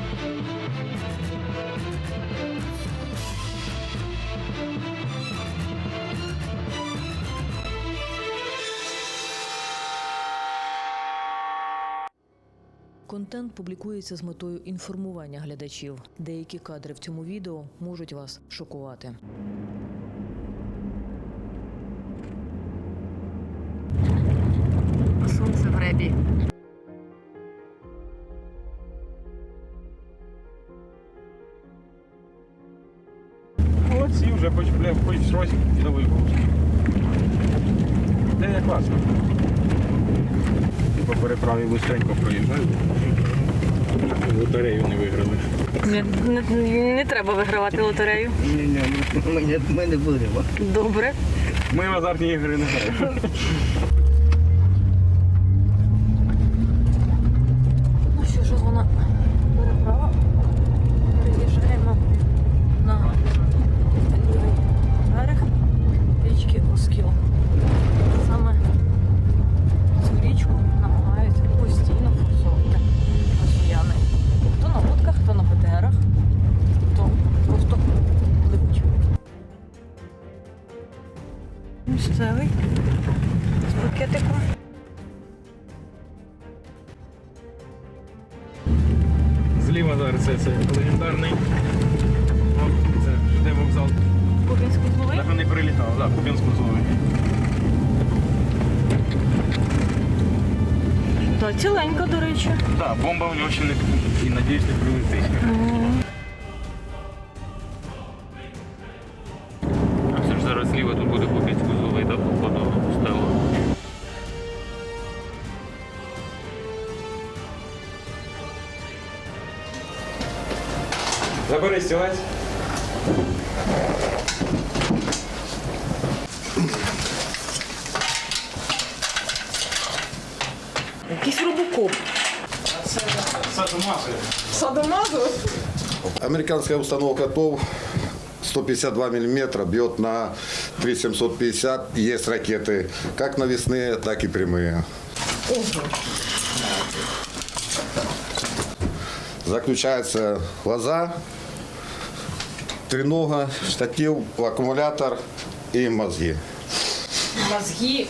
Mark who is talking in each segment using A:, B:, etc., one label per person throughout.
A: Контент публікується з метою інформування глядачів. Деякі кадри в цьому відео можуть вас шокувати.
B: Сонце в ребі.
C: Молодці, вже хоч щось новий був. Це як класно. По переправі швидко проїжджають. Лотерею не виграли.
B: Не треба вигравати лотерею.
D: Ні, ми не будемо.
B: Добре.
C: Ми в азартні ігри не граємо.
B: Ну що ж, вона переправа. Переїжджаємо на лівий берег річки Оскіл. Саме цю річку намагаються постійно форсувати росіяни. Хто на лодках, хто на БТРах, хто просто пливуть. Місцевий з пакетиком.
C: Зліва зараз це легендарний. О, це де вокзал.
B: Кубінський зловий.
C: Так вони прилітали, так, Кубінську зловий.
B: Так, ціленька, до речі.
C: Так, бомба в нього ще не і надіюсь не прилетить. А все ж зараз зліва тут буде Кубінську зловий, так, походу, стело. Забери стілець.
B: Якийсь робокоп. Садомазу?
E: Американская установка ТОВ 152 мм бьет на 3750. Есть ракеты как навесные, так и прямые. Заключается лоза, тренога, штатив, аккумулятор и мозги.
B: Мозги.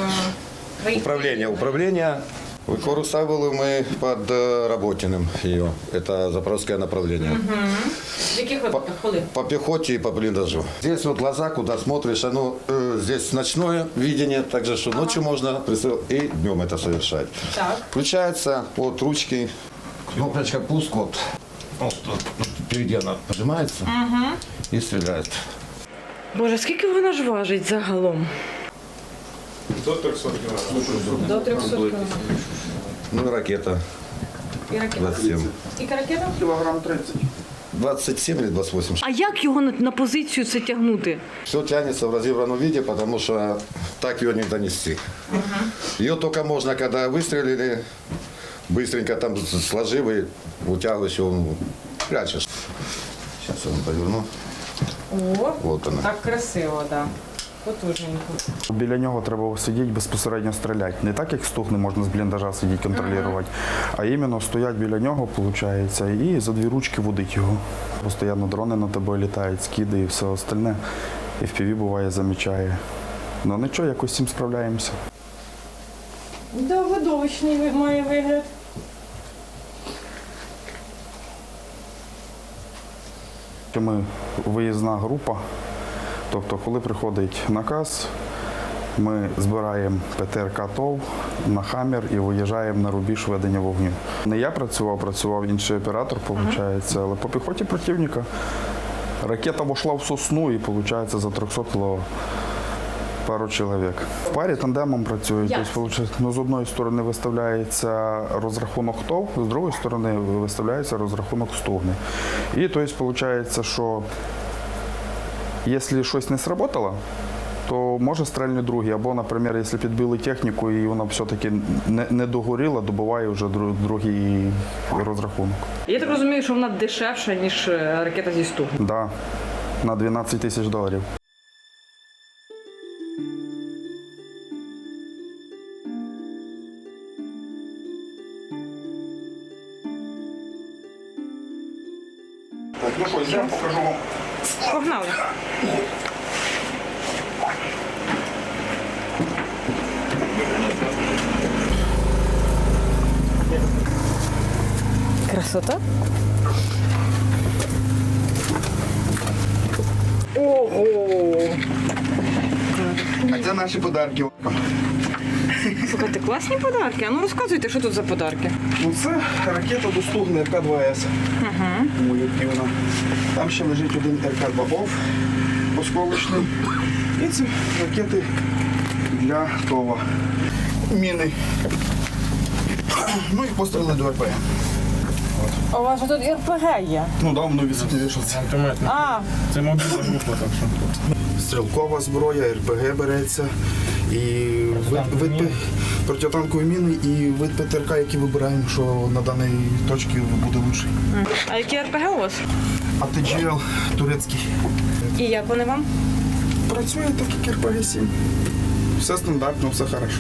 E: Управление. Використовували ми під Роботиним ее. Это запорожское направление.
B: В яких випадках? Коли?
E: По пехоте и по блиндажу. Здесь вот глаза, куда смотришь, оно здесь ночное видение, также что ночью можно и днем это совершать.
B: Так.
E: Включается вот ручки, кнопочка пуск, вот тут впереди она нажимается и стреляет.
B: Боже, скільки вона ж важить загалом?
C: До 300 кг.
B: До 300 кг.
E: Ну и ракета
B: І ракета?
E: 27.
B: Скільки ракета?
C: Кілограм 30.
E: 27 или 28.
B: А як його на позицію це тягнути?
E: Все тянется в разобранном виде, потому что так ее не донести. Ее только можно, когда выстрелили, быстренько там сложив и утягиваешь его, прячешь. Сейчас я вам поверну.
B: О,
E: Вот она.
B: так красиво, так. Да. Потужненько.
F: Біля нього треба сидіти, безпосередньо стріляти. Не так, як стугни можна з бліндажа сидіти, контролювати, а іменно стоять біля нього, виходить, і за дві ручки водить його. Постійно дрони на тебе літають, скиди і все остальне. І FPV буває, замічає. Ну нічого, якось з цим справляємося.
B: Да, видовищний має вигляд.
F: Ми виїзна група, тобто коли приходить наказ, ми збираємо ПТРК ТОВ на «Хаммер» і виїжджаємо на рубіж ведення вогню. Не я працював інший оператор, виходить, але по піхоті противника ракета вошла в сосну і, виходить, за 300 кг пару чоловік. В парі тандемом працюють. Тобто, з одної сторони виставляється розрахунок ТОВ, з другої сторони виставляється розрахунок стугни. І тобто, виходить, що якщо щось не сработало, то може стрельнуть другий. Або, наприклад, якщо підбили техніку і вона все-таки не догоріла, добуває вже другий розрахунок.
B: Я так розумію, що вона дешевша, ніж ракета зі стугни.
F: Так, да, на $12 тисяч. Ну що, йдемо, покажу вам.
B: Погнали. Красота. Ого!
F: А це наші подарки.
B: Слухайте, класні подарки. А ну розказуйте, що тут за подарки.
F: Ну це ракета доступна РК-2С. Молітівна. Там ще лежить один РК-2ОВ осколочний. І ці ракети для ТОВа. Міни. Ну і постріли до РПГ.
B: У вас же тут РПГ є.
F: Ну да, воно відсвітившиться.
B: А,
C: Це мобільна група, так що.
F: Стрілкова зброя, РПГ береться. І вид протитанкові міни і вид ПТРК, який вибираємо, що на даній точці буде лучший.
B: а які РПГ у вас?
F: АТГЛ турецький.
B: І як вони вам?
F: Працює так, як РПГ-7. Все стандартно, все хорошо.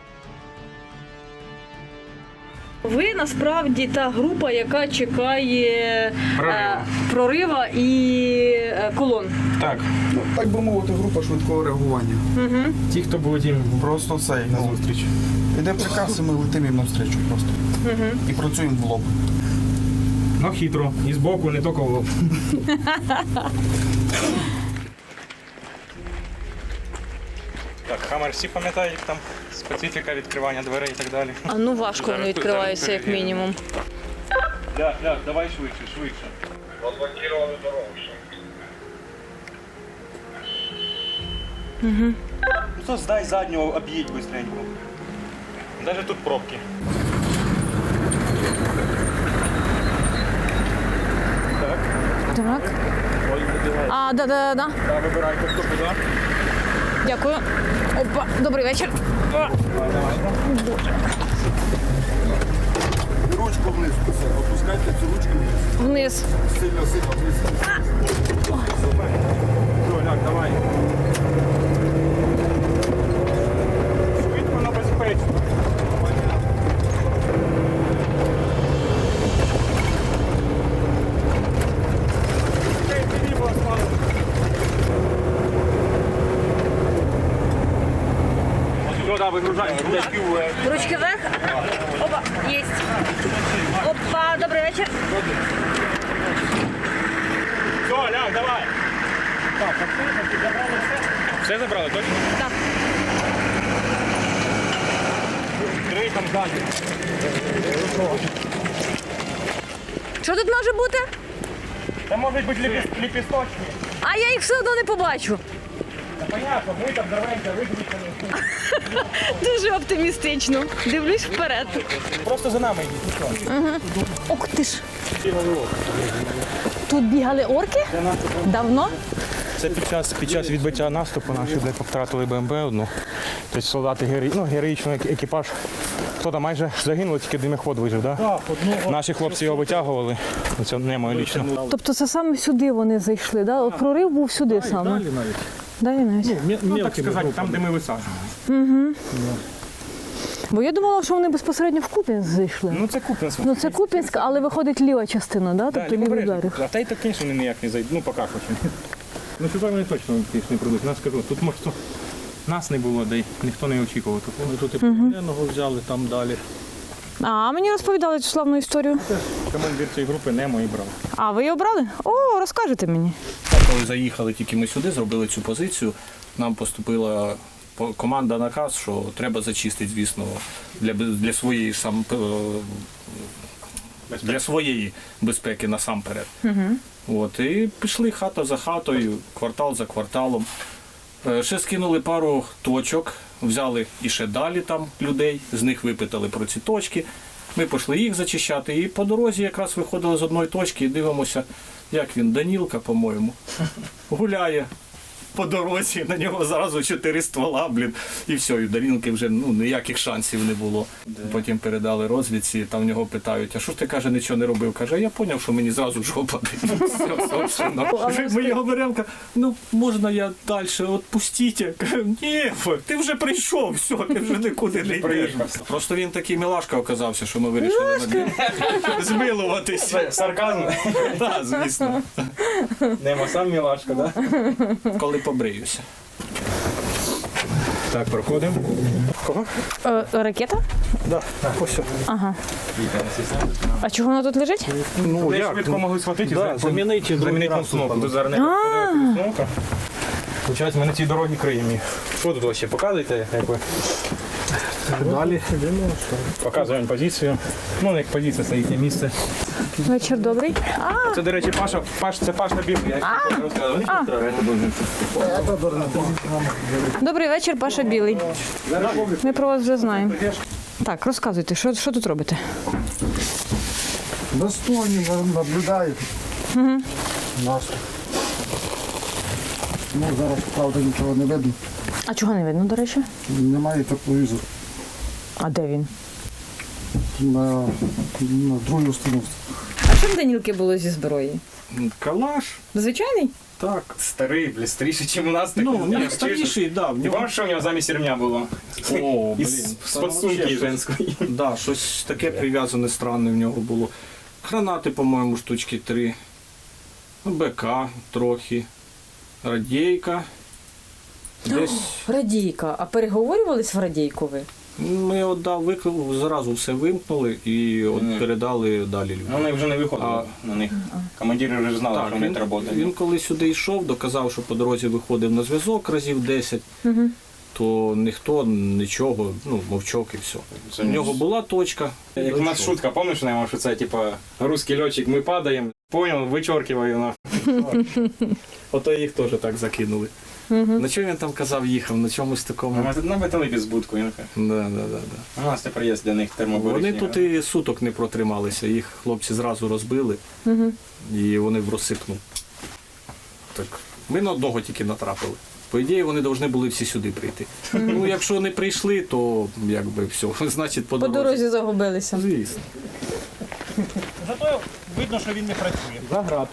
B: Ви насправді та група, яка чекає прорива і колон.
C: Так,
F: Ну, так би мовити, група швидкого реагування.
C: ті, хто будуть їм
F: Просто цей на зустріч. Іде приказ, і ми летимо їм навстрічу просто. І працюємо в лоб.
C: ну, хитро. І збоку, не тільки в лоб. Так, Хаммер всі пам'ятають, як там специфіка відкривання дверей і так далі.
B: А ну важко
C: Зараз
B: вони відкриваються, як
C: перевіримо.
B: мінімум.
C: Ляг, давай швидше.
G: Ну то сдай заднього, об'їдь быстренько.
C: Даже тут пробки.
B: Так. А, да.
C: Так, вибирайте, хто куди.
B: Дякую. Опа, добрий вечір. О,
E: Ручку вниз, опускайте цю ручку вниз.
B: вниз.
E: Сильно вниз.
C: Все, ляг, давай. Швидко, но безпечно. Все, да, вигружаємо. Ручки вверх.
B: Ручки вверх. Опа, єсть. Опа, добрий вечір.
C: Все, ляг, давай. Так, забрали все? Все забрали, точно?
B: Так.
C: Три там ззаді.
B: Що тут може бути?
C: Це можуть бути ліпісточки.
B: А я їх все одно не побачу.
C: Понятно, ми там дарвенька виключені.
B: Дуже оптимістично. Дивлюсь вперед.
C: Просто за нами йдіть.
B: Ох ти ж. Тут бігали орки? Давно?
G: Це під час відбиття наступу наші де втратили БМБ одну. Тобто солдати героїчний екіпаж. Хто там майже загинули, тільки димоход вижив, так? Да? Наші хлопці його витягували. Це не моє лічно.
B: Тобто це саме сюди вони зайшли, да? От прорив був сюди саме.
G: Далі навіть.
B: Далі навіть.
G: Ну, так сказати, там, де ми висаджували.
B: Бо я думала, що вони безпосередньо в Куп'янськ зайшли.
G: Ну це Куп'янськ.
B: Ну це Куп'янськ, але виходить ліва частина, да? Тобто лівий берег.
G: А та й так, звісно, вони ніяк не зайдуть. Ну, поки хоч. Ну, сюди вони точно не прийдуть. Нас скажу, тут може нас не було, де й ніхто не очікував. Ми тут і полоненого взяли, там далі.
B: А мені розповідали цю славну історію.
G: Командир цієї групи Немо і брав.
B: А ви її обрали? О, розкажете мені.
H: Коли заїхали тільки ми сюди, зробили цю позицію, нам поступила команда наказ, що треба зачистити, звісно, для своєї ж для своєї безпеки насамперед. От, і пішли хата за хатою, квартал за кварталом. Ще скинули пару точок, взяли і ще далі там людей, з них випитали про ці точки. Ми пішли їх зачищати, і по дорозі якраз виходили з одної точки і дивимося, як він, Данілка, по-моєму, гуляє по дорозі, на нього зразу 4 ствола, блін, і все, і у Дарінки вже ніяких шансів не було. Потім передали розвідці, там в нього питають, а що ж ти, каже, нічого не робив? Каже, я зрозумів, що мені зразу жопа. Все, собственно. Ми його беремо, можна я далі, відпустіть? Каже, ні, ти вже прийшов, все, ти вже нікуди не йдеш. Просто він такий милашка оказався, що ми вирішили над ним змилуватись.
G: Сарказм.
H: Так, звісно.
G: Нема сам мілашка, да?
H: Коли побриюся.
G: Так, проходимо. Кого?
B: Ракета?
G: Да. Ось.
B: Ага. А чого вона тут лежить?
G: Ну, як? Швидко могли схватити.
H: Да, замінити
G: установку. Тут зараз не підходить установка. Получається, ми на цій дорогі криємо їх. Що тут вообще? Показуєте, як ви? Далі. Показуємо позицію. Ну, як позиція, це їхнє місце.
B: Вечір добрий.
G: Це, до речі, це Паш на білий. Я розказував.
B: Добрий вечір, Паша Білий. Ми про вас вже знаємо. Так, розказуйте, що тут робите?
I: Достойні наблюдають нас. Ну, зараз, правда, нічого не видно.
B: А чого не видно, до речі?
I: Немає тепловізору
B: А де він?
I: на другій установці.
B: А що в Данілки було зі зброї?
H: Калаш.
B: Звичайний?
H: Так.
G: Старий, бля, старіший, ніж у нас.
H: Ну, ні, старіший, да. В
G: Ти
H: нього...
G: пам'ятаєш, що у нього замість ремня було?
H: О, блін.
G: З-під сумки женської.
H: Да, щось таке прив'язане странне в нього було. Гранати, по-моєму, штучки 3. БК трохи. Радійка. Десь
B: Радійка. А переговорювались в радійку ви?
H: ми зразу все вимкнули і передали далі людям.
G: Вони вже не виходили на них. Командири вже знали, що вони працюють.
H: Він коли сюди йшов, доказав, що по дорозі виходив на зв'язок разів 10, то ніхто нічого, мовчок і все. У нього була точка.
G: Як у нас шутка, пам'ятаєш, Немо, що це типа русський льотчик, ми падаємо, понял, вичоркиваю нахуй.
H: Ото їх теж так закинули. На чому він там казав, їхав? На чомусь такому?
G: Ми тут на металибі збудку, він каже.
H: Да.
G: У нас тепер є для них термоборичні.
H: Вони тут і суток не протрималися, їх хлопці зразу розбили і вони в розсипну. Так, ми на одного тільки натрапили. По ідеї, вони повинні були всі сюди прийти. Ну, якщо не прийшли, то якби все, значить по
B: По дорозі загубилися.
H: Звісно.
C: Зато видно, що він не працює.
H: Заград.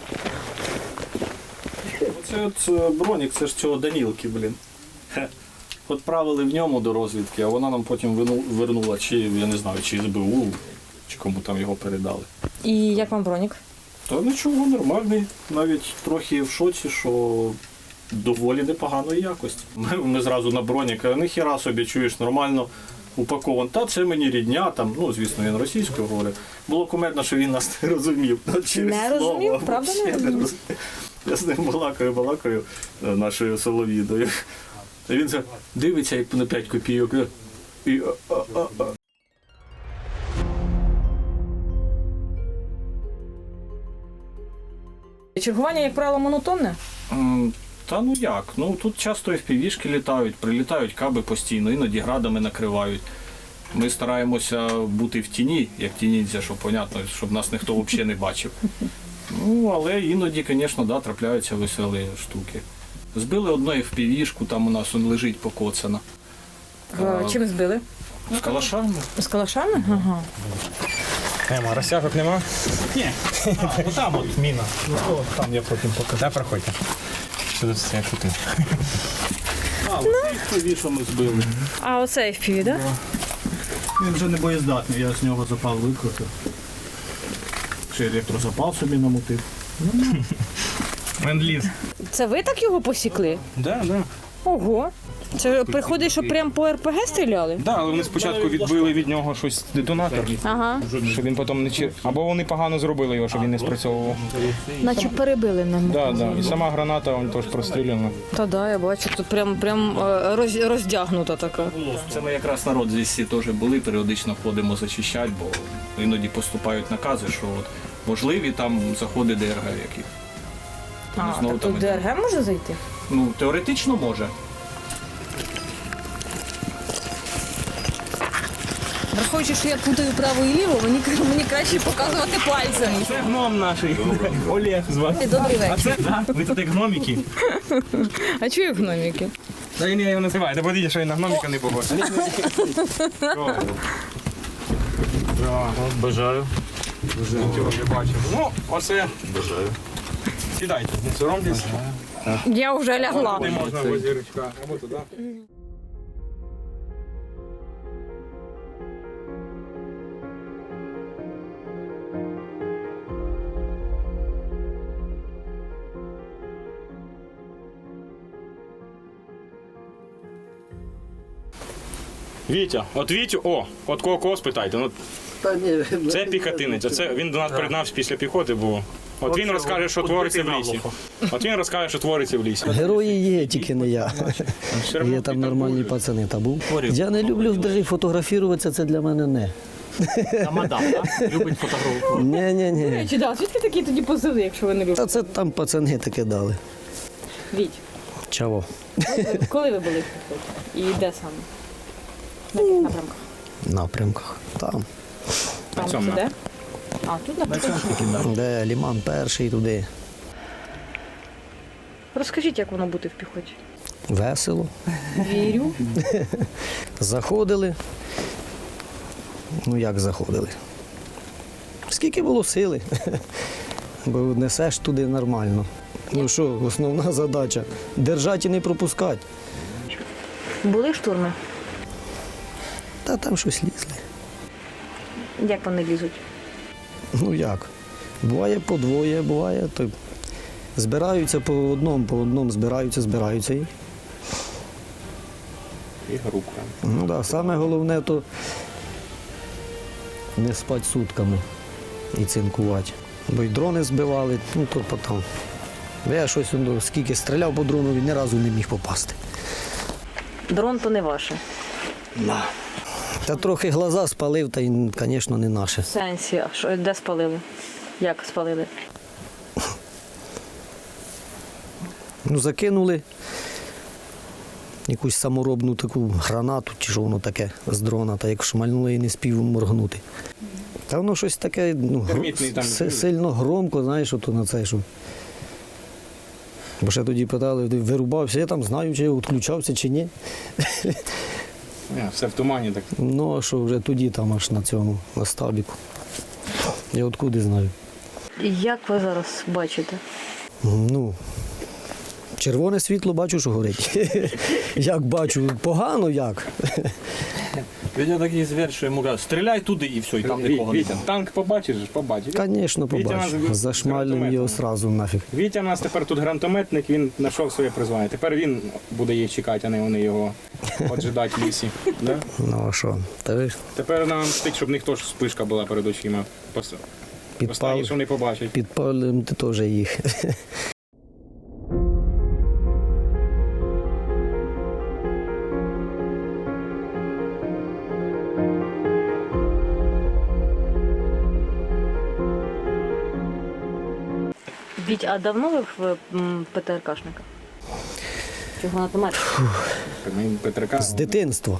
H: Оце от бронік, це ж цього Данілки, блін. Отправили в ньому до розвідки, а вона нам потім вернула, чи, я не знаю, чи СБУ, чи кому там його передали.
B: І як вам бронік?
H: Та нічого, нормальний. Навіть трохи в шоці, що доволі непоганої якості. Ми зразу на бронік, ніхіра собі, чуєш, нормально упакований. Та це мені рідня, там, звісно, він російською говорить. Було кумедно, що він нас не розумів.
B: Не розумів? Правда не розумів?
H: Я з ним балакаю нашою солов'їдою. А він дивиться як на 5 копійок. І
B: Чергування, як правило, монотонне?
H: Та як? Тут часто FPV-шки літають, прилітають каби постійно, іноді градами накривають. Ми стараємося бути в тіні, як ті ніндзя, щоб, понятно, щоб нас ніхто взагалі не бачив. Але іноді, звісно, трапляються веселі штуки. Збили одну FPV-шку, там у нас лежить покоцана.
B: Чим збили?
H: З калашами.
B: З калашами? Ага.
G: Нема, розтяжок нема?
C: Ні. Там от міна. Там я потім покажу.
G: Да, проходьте. Що тут це шути?
H: Оце FPV, що ми збили.
B: А оце FPV, так?
C: Він вже не боєздатний, я з нього запал викрутив. Ще електрозапал собі намотив.
G: Ленд-ліз.
B: Це ви так його посікли?
G: Да.
B: Ого. Це приходить, що прямо по РПГ стріляли?
G: Да, але вони спочатку відбили від нього щось детонатор,
B: Ага.
G: щоб він потім не або вони погано зробили його, щоб він не спрацьовував.
B: Наче перебили нам.
G: Да. І сама граната він теж простріляна.
B: Та да, я бачу, тут прям роздягнута така.
H: Це ми якраз народ здесь теж були, періодично ходимо зачищати, бо іноді поступають накази, що можливі там заходи ДРГ яких.
B: А,
H: Знову
B: так тут
H: там
B: ДРГ може зайти?
H: Теоретично може.
B: Враховуючи, що я путаю право і ліво, мені краще показувати пальцем.
G: Це гном наш. Олег звати.
B: Добрий
G: А
B: вечір.
G: це ви тут як гноміки.
B: А чую гноміки?
G: Та він його називає. Та подивіться, що він на гноміка не похож.
H: Бажаю.
G: Нічого не бачив. Ну, оце. Бажаю. Сідайте, не соромтесь.
B: Я вже лягла.
G: Не можна в озірочка. Або туди. Вітя, от Вітю, от кого спитайте. Ну,
D: Та ні,
G: це піхотинець, це він до нас приєднався після піхоти був. От він розкаже, що твориться в лісі. От він розкаже, що твориться в лісі.
J: Герої є, тільки не я.
G: Все одно
J: Є там
G: ти
J: нормальні
G: так
J: пацани. Та був. Я не люблю навіть фотографуватися, це для мене не.
H: А мадам, так? Любить фотографувати.
J: Ні.
B: Чи да, звідки такі тоді позиви, якщо ви не любите?
J: Та це там пацани таке дали.
B: Віть,
J: Чого?
B: коли ви були в піхоті? І де саме? На яких напрямках?
J: Напрямках. Там.
B: Там
G: цьому,
B: це де? А, тут на піхоті.
J: Де Ліман перший туди.
B: Розкажіть, як воно бути в піхоті.
J: Весело.
B: Вірю.
J: Заходили. Ну як заходили? Скільки було сили. Бо несеш туди нормально. Ну що, основна задача держати і не пропускати.
B: Були штурми?
J: Та там щось лізли.
B: Як вони лізуть?
J: Ну як? Буває по двоє, буває, то збираються по одному збираються і.
G: І група.
J: Ну так, саме головне то не спати сутками і цинкувати. Бо й дрони збивали, ну то потім. Я щось скільки стріляв по дрону, він ні разу не міг попасти.
B: Дрон то не ваше.
J: Та трохи глаза спалив, та й, звісно, не наше.
B: В сенсі, а що, де спалили? Як спалили?
J: Ну, закинули якусь саморобну таку гранату, чи що воно таке з дрона, та як шмальнули і не спів моргнути. Та воно щось таке
G: Термітний там.
J: сильно громко, знаєш, ото на це, що. Бо ще тоді питали, ти вирубався, я там знаю, чи я відключався, чи ні.
G: Все в тумані так.
J: Ну, а що вже тоді там аж на цьому, на стабіку. Я откуди знаю.
B: Як ви зараз бачите?
J: Ну, червоне світло бачу, що горить. Як бачу, погано як.
H: Він такий звір, що йому кажуть, стріляй туди і все, і там нікого
G: Вітя,
H: немає.
G: танк побачиш, побачиш.
J: Звісно, побачу. Зашмалюємо його одразу нафіг.
G: Вітя у нас тепер тут гранатометник, він знайшов своє призвання. Тепер він буде їх чекати, а не вони його поджидати в лісі. Да?
J: Ну а що? Та ви
G: Тепер нам стить, щоб в них теж спишка була перед очима. Останні, що вони побачать.
J: підпалимо теж їх.
B: Віть, а давно ви в ПТРКшника? Чи гранатомет?
G: Ми Петрика.
J: З дитинства.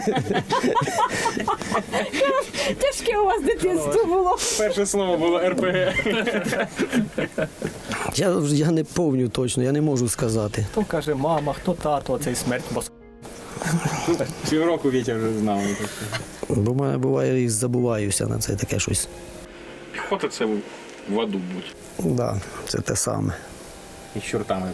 B: Тяжке у вас дитинство було.
G: Перше слово було РПГ.
J: Я не пам'ятаю точно, я не можу сказати.
H: Хто каже, мама, хто тато, цей смерть, бо
G: Півроку Вітя вже знав.
J: Бо в мене буває і забуваюся на це таке щось.
G: Піхота це в аду будь.
J: Так, да, це те саме.
G: І з чортами.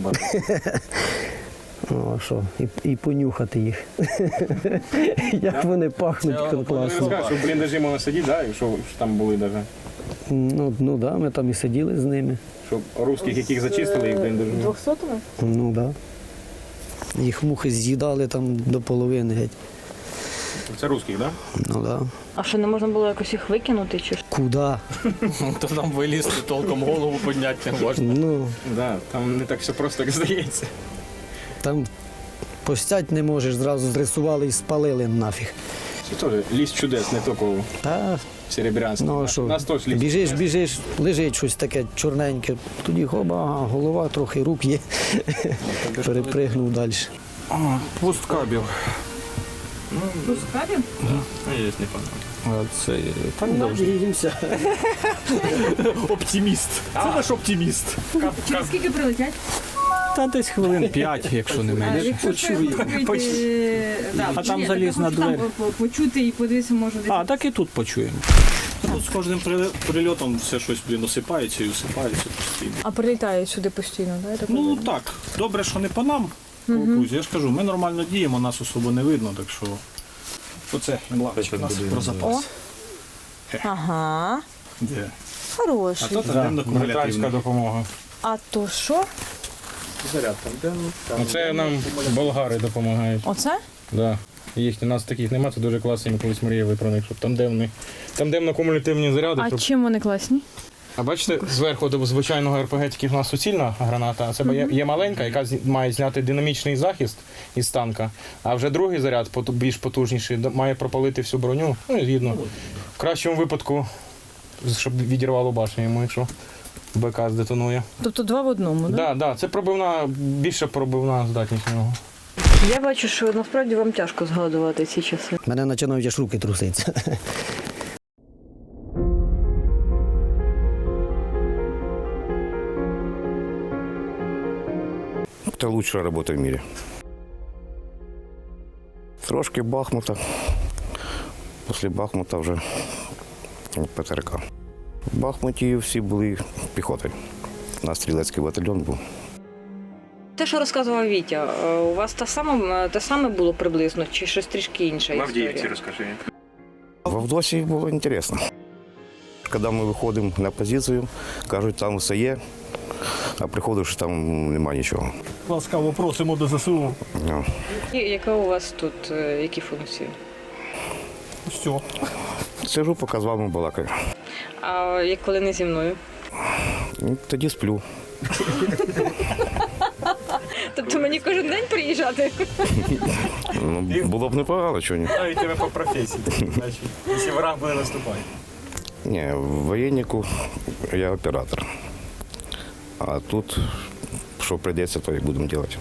J: Ну а що? І понюхати їх. Як вони пахнуть
G: Не
J: класно.
G: розкажеш, що в бліндажі можна сидіти, да? Якщо там були навіть.
J: Ну так, ми там і сиділи з ними.
G: Щоб русських, яких зачистили, і в бліндажі.
B: 200-ми?
J: Ну так. Да. Їх мухи з'їдали там до половини геть.
G: Це русських, так?
J: Ну так. Да.
B: А що, не можна було якось їх викинути? Чи?
J: Куда?
H: то нам вилізти, толком голову підняти не можна.
J: Ну,
G: Да, там не так все просто, як здається.
J: там постять не можеш, зразу зрисували і спалили нафіг.
G: Це теж ліс чудес, не тільки
J: Та,
G: Серебрянський.
J: ну а що,
G: Нас теж ліс.
J: біжиш, лежить щось таке чорненьке, тоді хоба, ага, голова, трохи рук є. Перепригнув далі.
G: Пусткабів.
B: Розкажемо?
H: Це так
J: Надіємося.
H: оптиміст. Це наш оптиміст.
B: Через скільки прилетять?
H: Та десь хвилин 5, якщо не менше. А там залізна двері.
B: Почути і подивитися, може десь.
H: А, так і тут почуємо. Тут з кожним прильотом все щось, осипається і осипається постійно.
B: А прилітають сюди постійно, так?
H: Ну так, добре, що не по нам, по окрузі. Я ж кажу, ми нормально діємо, нас особо не видно, так що оце лавочка у нас про запас.
B: Ага.
H: Де?
B: Хороший.
H: А то тандемно-кумулятивна
G: допомога.
B: А то що?
H: Заряд тандемно.
G: Це нам болгари допомагають.
B: Оце?
G: Да. Їх у нас таких немає, це дуже класно, ми колись мріяли про них, щоб тандемно-кумулятивні заряди.
B: А
G: Щоб...
B: чим вони класні?
G: А бачите, зверху до звичайного РПГ тільки в нас суцільна граната, а це є маленька, яка має зняти динамічний захист із танка, а вже другий заряд, більш потужніший, має пропалити всю броню, ну і згідно. В кращому випадку, щоб відірвало башню йому, якщо БК здетонує.
B: Тобто два в одному, так?
G: Так, да, це більше пробивна здатність у нього.
A: Я бачу, що насправді вам тяжко згадувати ці часи.
J: Мене починають аж руки труситися.
K: Это лучшая работа в мире. Трошки Бахмута. Після Бахмута вже ПТРК. В Бахмуті всі були піхотою. У нас стрілецький батальйон був.
B: Те, що розказував Вітя, у вас те саме було приблизно, чи щось трішки інше?
G: В Авдіївці розкажи.
K: В Авдосі було цікаво. Коли ми виходимо на позицію, кажуть, там все є, а приходиш, там немає нічого.
C: Ласкаво просимо до ЗСУ.
K: Ну.
B: Яка у вас тут, які функції?
C: Все.
K: Сижу, поки з вами балакаю.
B: А як коли не зі мною?
K: Тоді сплю.
B: Тобто мені кожен день приїжджати?
K: Ну, було б непогано, чого ні.
G: Навіть тебе по професії, значить, якщо ворог буде наступати.
K: Ні, в воєннику я оператор. А тут, що прийдеться, то і будемо робити.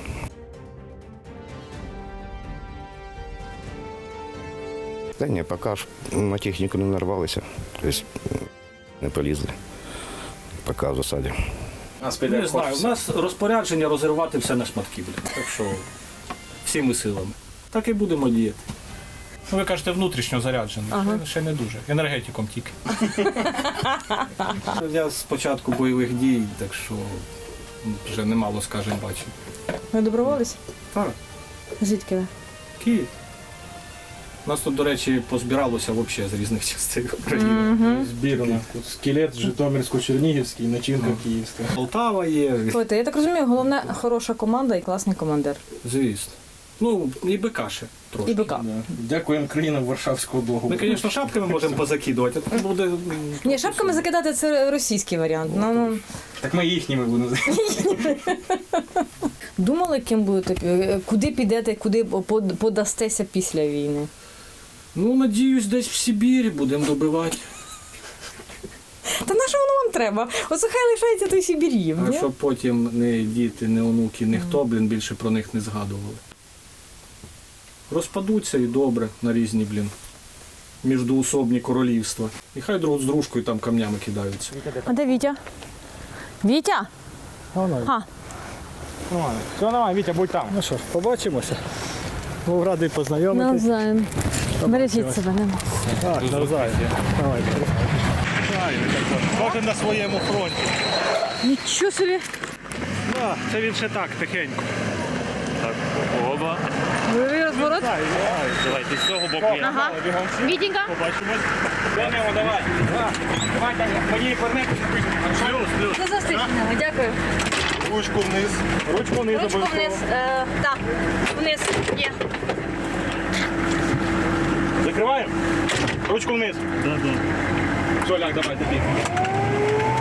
K: Та ні, поки ж на техніку не нарвалися, тобто не полізли, поки в засаді.
H: Не знаю, у нас розпорядження розірвати все на шматки, так що всіми силами. Так і будемо діяти. Ну, ви кажете, внутрішньо заряджений, ще не дуже, енергетиком тільки. Я з початку бойових дій, так що вже немало, скажімо, бачив.
B: Ви доброволець?
H: Так,
B: Звідки ви?
H: Київ. У нас тут, до речі, позбиралося взагалі з різних частин України.
G: Збірна. Тут скелет Житомирсько-Чернігівський, начинка київська.
H: Полтава є,
B: Слухайте, я так розумію, головне хороша команда і класний командир.
H: звісно. Ну, і БК ще трошки.
B: І БК.
G: Дякуємо країнам Варшавського договору.
H: Ми, звісно, шапками можемо позакидувати, а це буде...
B: Ні, шапками закидати це російський варіант. Ну,
G: Так ми їхніми будемо.
B: думали, ким будете, куди підете, куди подастеся після війни?
H: Ну, надіюсь, десь в Сибірі будемо добивати.
B: Та на що воно вам треба? Оце хай лишається той Сибір'їв,
H: А
B: ні?
H: щоб потім не діти, не онуки, ніхто, більше про них не згадували. Розпадуться і добре на різні, міждоусобні королівства. І хай друг з дружкою там камнями кидаються.
B: А де Вітя? Вітя? А,
G: Все, давай, Вітя, будь там.
C: Ну що ж, побачимося. Був радий познайомитись.
B: навзаєм. Бережіть себе, нема.
C: Так, навзаєм. Давай. Кожен на своєму фронті.
B: Нічого собі.
C: Так, це він ще так, тихенько. Так, оба.
B: Бойовий розворот?
C: Давайте з цього боку я.
B: Ага. Вітенька.
C: Побачимось.
G: Давай. Давай, Таня, мені повернемо.
B: До зустрічі, дякую.
C: Ручку вниз. Ручку вниз.
B: Ручку вниз. Так, вниз. Є.
C: Закриваємо? Ручку вниз.
G: Все, ляг, давай, тобі.